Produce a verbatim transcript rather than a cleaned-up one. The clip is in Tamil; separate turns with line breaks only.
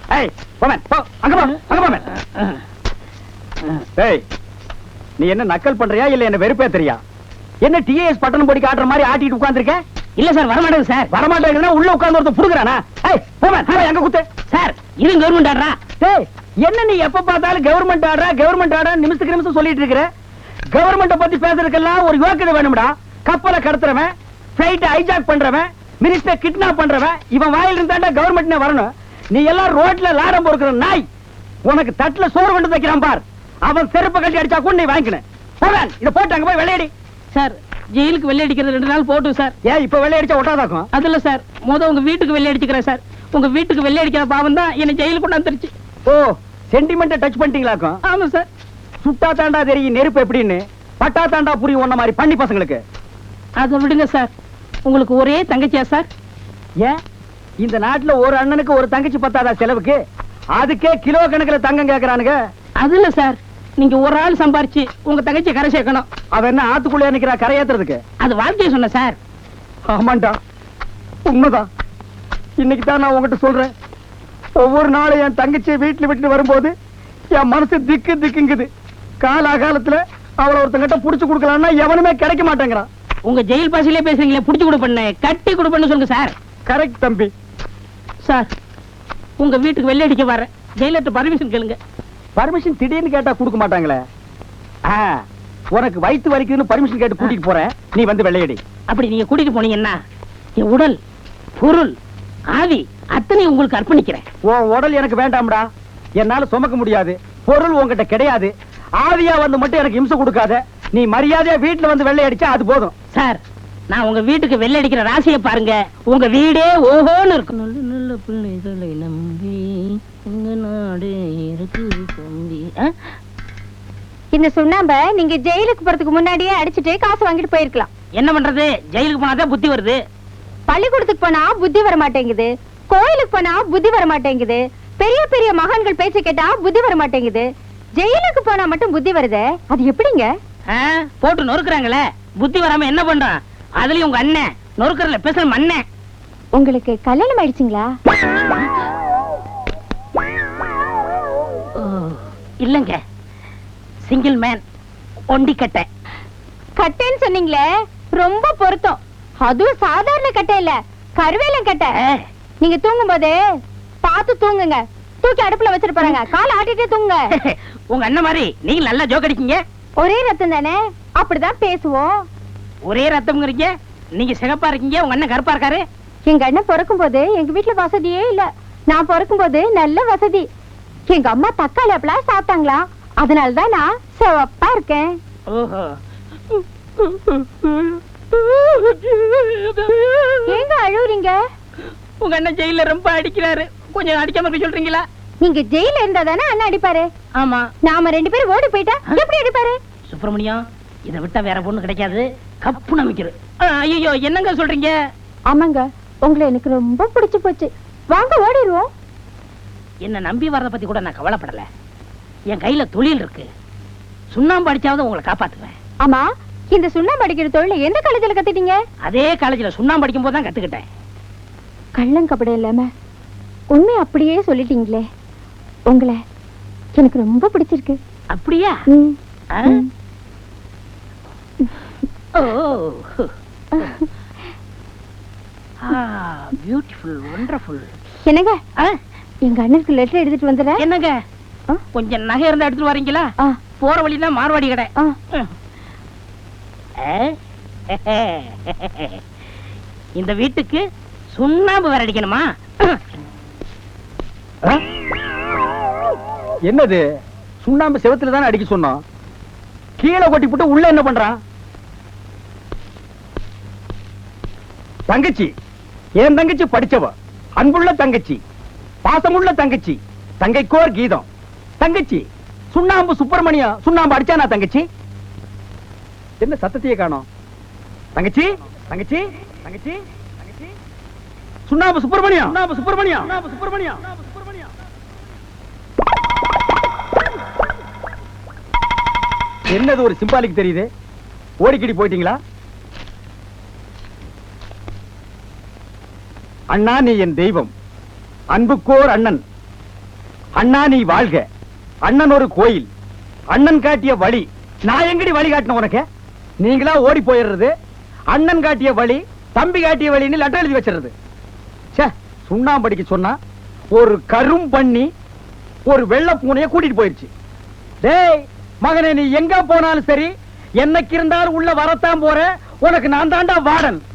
ஏய் போமன் போ அங்க போ அங்க போமன். ஏய் நீ என்ன நக்கல் பண்றியா இல்ல என்ன வெறுப்பேத்துறியா? என்ன டிஏஎஸ் பட்டணம் போடி காட்டுற மாதிரி ஆட்டிட்டு உட்கார்ந்திருக்க?
இல்ல சார் வரமாட்டேங்க சார்.
வரமாட்டேங்கன்னா உள்ள உட்கார்ந்து ஒருத்தன் புடுங்கறானா? ஏய் போமன் போய் அங்க குத்து.
சார் இது கவர்மெண்ட் ஆடுறா.
ஏய் என்ன நீ எப்ப பார்த்தாலும் கவர்மெண்ட் ஆடுறா கவர்மெண்ட் ஆடுறா நிமிஷத்துக்கு நிமிஷம் சொல்லிட்டு இருக்கற? கவர்மெண்ட பத்தி பேசுறதுக்கெல்லாம் ஒரு யோக்கியதை வேணும்டா. கப்பலை கடத்துறவன், ஃளைட் ஹைஜாக் பண்றவன், மினிஸ்டர் கிட்னாப் பண்றவன் இவன் வாயில இருந்தாண்டா கவர்மெண்ட்னே வரணும். நீ எல்லாம் ரோட்ல லாடம் பொறுக்கிற நாய். உனக்கு தட்டுல சோறு கொண்டு வைக்கிறான் பார். அவன் செருப்பு கட்டி அடிச்சா கூட நீ வாங்கிக்கணும். போவேன் இத போட்டு அங்க போய் வெள்ளையடி.
சார் ஜெயிலுக்கு வெள்ளை அடிக்கிறது ரெண்டு நாள் போட்டும் சார்.
ஏன் இப்ப வெள்ளை அடிச்சா ஒட்டாதாக்கும்?
அதுல சார் முத உங்க வீட்டுக்கு வெள்ளை அடிச்சுக்கிறேன் சார். உங்க வீட்டுக்கு வெள்ளை அடிக்கிற பாவம் தான் என்ன ஜெயிலுக்கு கொண்டாந்துருச்சு.
ஓ சென்டிமெண்ட்டை டச் பண்ணிட்டீங்களாக்கும்?
ஆமா சார்.
சுட்டா தாண்டா தெரியும் நெருப்பு எப்படின்னு, பட்டா தாண்டா புரியும் ஒன்ன மாதிரி பண்ணி பசங்களுக்கு.
அதை விடுங்க சார். உங்களுக்கு ஒரே தங்கச்சியா சார்?
ஏன் இந்த நாட்டுல ஒரு அண்ணனுக்கு ஒரு தங்கச்சி பத்தாதா செலவுக்கு? அதுக்கே கிலோ கணக்குல தங்கம் கேக்குறானுங்க.
அது இல்ல சார், நீங்க ஒரு ஆள் சம்பாரிச்சு உங்க தங்கச்சியை கரை சேர்க்கணும்.
அவ என்ன ஆத்துக்குள்ளே நிக்கிறா கரை ஏத்துறதுக்கு?
அது வாழ்க்கையை சொன்ன சார்.
ஆமாண்டா உண்மைதான். இன்னைக்கு தான் நான் உங்ககிட்ட சொல்றேன். ஒவ்வொரு நாளும் என் தங்கச்சியை வீட்டுல விட்டு வரும்போது என் மனசு திக்கு திக்குங்குது. காலாகாலத்துல அவளை ஒருத்தங்கிட்ட புடிச்சு கொடுக்கலாம்னா எவனுமே கிடைக்க மாட்டேங்கிறான்.
உங்க ஜெயில் பாசிலே பேசுறீங்களே, புடிச்சு கொடு பண்ணு, கட்டி கொடு பண்ணு சொல்லுங்க சார்.
கரெக்ட் தம்பி.
சார் உங்க வீட்டுக்கு வெள்ளை அடிக்க வர ஜெயிலர்ட்ட பர்மிஷன் கேளுங்க.
பர்மிஷன் திடீர்னு கேட்டா கொடுக்க மாட்டாங்களே. உனக்கு வயிற்று வலிக்குதுன்னு பர்மிஷன் கேட்டு கூட்டிட்டு போறேன், நீ வந்து வெள்ளையடி.
அப்படி நீங்க கூட்டிட்டு போனீங்கன்னா என் உடல் பொருள் ஆவி அத்தனை உங்களுக்கு அர்ப்பணிக்கிறேன்.
உன் உடல் எனக்கு வேண்டாம்டா. என்னால சுமக்க முடியாது. பொருள் உங்ககிட்ட கிடையாது. ஆவியா வந்து மட்டும் எனக்கு இம்சை கொடுக்காத. நீ மரியாதையா வீட்டுல வந்து வெள்ளை அடிச்சா அது போதும்.
சார் நான் உங்க வீட்டுக்கு வெள்ளை அடிக்கிற ராசியை பாருங்க. உங்க வீடே ஓஹோன்னு இருக்கும். நல்ல நல்ல பிள்ளைகளை நம்பி உங்க நாடு இருக்கு தம்பி.
இந்த சுண்ணாம்ப நீங்க ஜெயிலுக்கு போறதுக்கு முன்னாடியே அடிச்சுட்டு காசு வாங்கிட்டு போயிருக்கலாம்.
என்ன பண்றது, ஜெயிலுக்கு போனாதான் புத்தி வருது.
பள்ளிக்கூடத்துக்கு போனா புத்தி வர மாட்டேங்குது, கோயிலுக்கு போனா புத்தி வர மாட்டேங்குது, பெரிய பெரிய மகான்கள் பேச்சு கேட்டா புத்தி வர மாட்டேங்குது. ஜெயிலுக்கு போனா மட்டும் புத்தி வருது. அது எப்படிங்க?
போட்டு நொறுக்குறாங்களே, புத்தி வராம என்ன பண்றான்? அதுலயும் உங்க அண்ணன் நொறுக்கறல பேசுற மண்ணன்.
உங்களுக்கு கல்யாணம் ஆயிடுச்சுங்களா?
இல்லங்க, சிங்கிள் மேன், ஒண்டி கட்டை.
கட்டைன்னு சொன்னீங்களே, ரொம்ப பொருத்தம். அதுவும் சாதாரண கட்டை இல்ல, கருவேலம் கட்டை. நீங்க தூங்கும் போது பார்த்து தூங்குங்க. தூக்கி அடுப்புல வச்சிட்டு போறாங்க, காலை ஆட்டிட்டே தூங்குங்க.
உங்க அண்ணன் மாதிரி நீங்க நல்லா ஜோக் அடிக்கீங்க.
ஒரே ரத்தம் தானே, அப்படிதான் பேசுவோம்.
ஒரே ரத்தம்ங்கறீங்க, நீங்க சிகப்பா இருக்கீங்க, உங்க அண்ணன் கருப்பா இருக்காரு.
எங்க அண்ணன் பிறக்கும் போது எங்க வீட்டுல வசதியே இல்ல. நான் பிறக்கும் போது நல்ல வசதி. எங்க அம்மா தக்காளி அப்பெல்லாம் சாப்பிட்டாங்களா, அதனாலதான் நான் சிவப்பா இருக்கேன்.
ஓஹோ.
ஏங்க அழுவுறீங்க?
உங்க அண்ணன் ஜெயில ரொம்ப அடிக்கிறாரு, கொஞ்சம் அடிக்காம இருக்க சொல்றீங்களா?
நீங்க ஜெயில இருந்தா தானே அண்ணன் அடிப்பாரு.
ஆமா.
நாம ரெண்டு பேரும் ஓடி போயிட்டா எப்படி அடிப்பாரு?
சுப்பிரமணியம், இதை விட்டா வேற பொண்ணு கிடைக்காது. கப்பு நம்பிக்கிறது. ஐயோ என்னங்க சொல்றீங்க?
ஆமாங்க, உங்களை எனக்கு ரொம்ப பிடிச்சு போச்சு. வாங்க ஓடிடுவோம்.
என்ன நம்பி வர்றத பத்தி கூட நான் கவலைப்படல. என் கையில தொழில் இருக்கு. சுண்ணாம்பு அடிச்சாவது உங்களை காப்பாத்துவேன்.
ஆமா, இந்த சுண்ணாம்பு அடிக்கிற தொழில் எந்த காலேஜ்ல கத்துட்டீங்க?
அதே காலேஜ்ல சுண்ணாம்பு அடிக்கும் போது தான் கத்துக்கிட்டேன்.
கள்ளங்கபடம் இல்லாம உண்மை அப்படியே சொல்லிட்டீங்களே. உங்களை எனக்கு ரொம்ப பிடிச்சிருக்கு.
அப்படியா? Oh beautiful, wonderful. என்னங்க, எங்க அண்ணனுக்கு லெட்டர் எடுத்துட்டு வந்துடுறேன். என்னங்க, கொஞ்சம் நகை இருந்தா எடுத்துட்டு வரீங்களா? போற வழிதான் மார்வாடி கடை. இந்த வீட்டுக்கு சுண்ணாம்பு வேற அடிக்கணுமா?
என்னது, சுண்ணாம்பு செவத்துல தானே அடிக்க சொன்னோம். கீழே கொட்டி போட்டு உள்ள என்ன பண்றான்? தங்கச்சி, என் தங்கச்சி படிச்சவ, அன்புள்ள தங்கச்சி, பாசமுள்ள தங்கச்சி, தங்கைக்கோர் கீதம். தங்கச்சி சுண்ணாம்பு சுப்பிரமணியம் சுண்ணாம்பு அடிச்சானா தங்கச்சி? என்ன சத்தத்தையே காணோம்? தங்கச்சி தங்கச்சி தங்கச்சி தங்கச்சி சுண்ணாம்பு சுப்பிரமணியம் சுண்ணாம்பு சுப்பிரமணியம் சுண்ணாம்பு சுப்பிரமணியம் சுப்பிரமணியம். என்னது ஒரு சிம்பாலிக் தெரியுது? ஓடிக்கிடி போயிட்டீங்களா? அண்ணா நீ என் தெய்வம், அன்புக்கோர் அண்ணன், அண்ணா நீ வாழ்க, அண்ணன் ஒரு கோயில், அண்ணன் காட்டிய வழி. நான் எங்கடி வழி காட்டின உனக்கு? நீங்களா ஓடி போயிடுறது, அண்ணன் காட்டிய வழி தம்பி காட்டிய வழின்னு லெட்டர் எழுதி வச்சிருது. ச்சே, சுண்ணாம்படிக்கு சொன்னா ஒரு கரும் பண்ணி ஒரு வெள்ளை பூனைய கூட்டிட்டு போயிருச்சு. டேய் மகனே, நீ எங்க போனாலும் சரி, என்னைக்கு இருந்தாலும் உள்ள வரத்தான் போற. உனக்கு நான் தாண்டா வாடன்.